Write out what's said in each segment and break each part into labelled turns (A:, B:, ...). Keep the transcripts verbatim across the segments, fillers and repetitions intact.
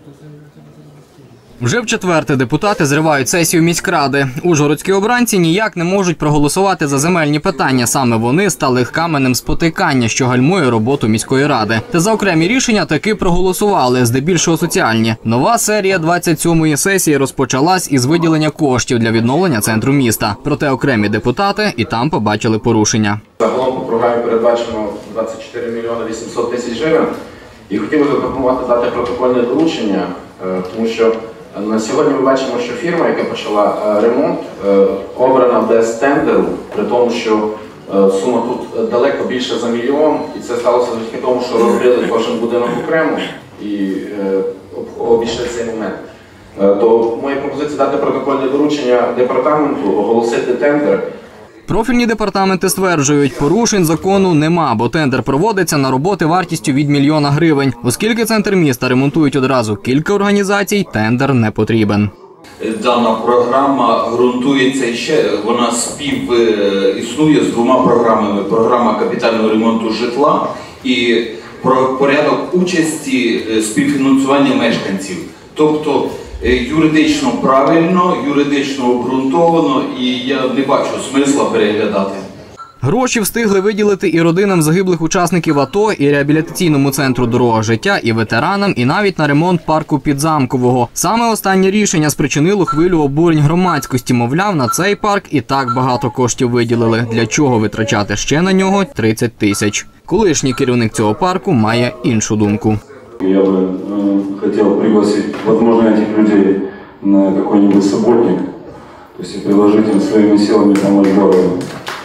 A: Вже в четверте депутати зривають сесію міськради. Ужгородські обранці ніяк не можуть проголосувати за земельні питання. Саме вони стали каменем спотикання, що гальмує роботу міської ради. Та за окремі рішення таки проголосували, здебільшого соціальні. Нова серія двадцять сьомої сесії розпочалась із виділення коштів для відновлення центру міста. Проте окремі депутати і там побачили порушення.
B: Загалом по програмі передбачено двадцять чотири мільйони вісімсот тисяч гривень. І хотів би запропонувати дати протокольне доручення, тому що на сьогодні ми бачимо, що фірма, яка почала ремонт, обрана без тендеру, при тому, що сума тут далеко більше за мільйон, і це сталося завдяки тому, що розбили кожен будинок окремо і обійшли цей момент. То моя пропозиція дати протокольне доручення департаменту, оголосити тендер.
A: Профільні департаменти стверджують, порушень закону нема, бо тендер проводиться на роботи вартістю від мільйона гривень. Оскільки центр міста ремонтують одразу кілька організацій, тендер не потрібен.
C: Дана програма ґрунтується ще, вона спів існує з двома програмами. Програма капітального ремонту житла і про порядок участі співфінансування мешканців. Тобто юридично правильно, юридично обґрунтовано, і я не бачу смисла переглядати.
A: Гроші встигли виділити і родинам загиблих учасників АТО, і реабілітаційному центру «Дорога життя», і ветеранам, і навіть на ремонт парку Підзамкового. Саме останнє рішення спричинило хвилю обурень громадськості. Мовляв, на цей парк і так багато коштів виділили. Для чого витрачати ще на нього тридцять тисяч? Колишній керівник цього парку має іншу думку.
D: Я бы э, хотел пригласить, возможно, этих людей на какой-нибудь субботник, то есть и предложить им своими силами помочь городу.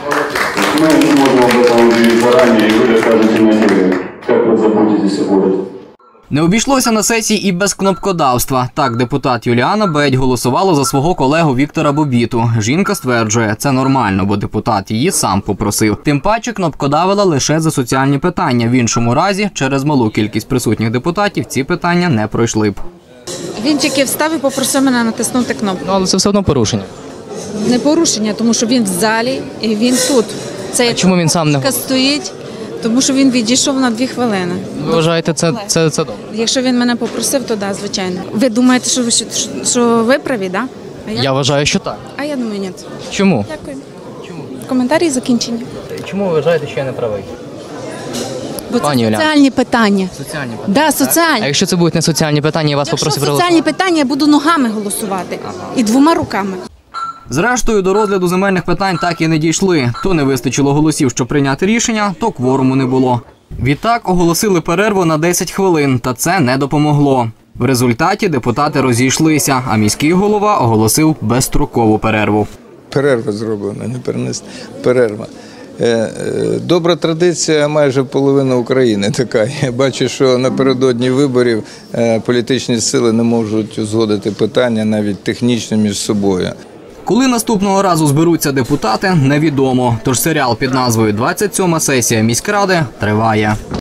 D: Мы можем об этом объявить заранее, и вы расскажете на деле, как вы заботитесь о городе.
A: Не обійшлося на сесії і без кнопкодавства. Так, депутат Юліана Бедь голосувала за свого колегу Віктора Бобіту. Жінка стверджує, це нормально, бо депутат її сам попросив. Тим паче кнопкодавила лише за соціальні питання. В іншому разі, через малу кількість присутніх депутатів, ці питання не пройшли б.
E: Він тільки встав і попросив мене натиснути кнопку.
A: Ну, але це все одно порушення.
E: Не порушення, тому що він в залі і він тут. Це
A: а чому він сам не
E: стоїть? Тому що він відійшов на дві хвилини.
A: Ви вважаєте, це, це, це добре?
E: Якщо він мене попросив, то да, звичайно. Ви думаєте, що ви, що, що ви праві, да? А я?
A: Я вважаю, що так.
E: А я думаю, ні.
A: Чому?
E: Дякую. Чому? Коментарі закінчені.
A: Чому ви вважаєте, що я не правий?
E: Бо це Пані соціальні Оля. питання.
A: Соціальні питання?
E: Да, соціальні.
A: А якщо це будуть не соціальні питання, я вас
E: Якщо
A: попросив
E: соціальні
A: голосувати?
E: питання, я буду ногами голосувати. Ага. І двома руками.
A: Зрештою, до розгляду земельних питань так і не дійшли. То не вистачило голосів, щоб прийняти рішення, то кворуму не було. Відтак оголосили перерву на десять хвилин, та це не допомогло. В результаті депутати розійшлися, а міський голова оголосив безстрокову перерву.
F: Перерва зроблена, не перенесена. Перерва. Добра традиція майже половина України така. Я бачу, що напередодні виборів політичні сили не можуть узгодити питання навіть технічно між собою.
A: Коли наступного разу зберуться депутати, невідомо. Тож серіал під назвою «двадцять сьома сесія міськради» триває.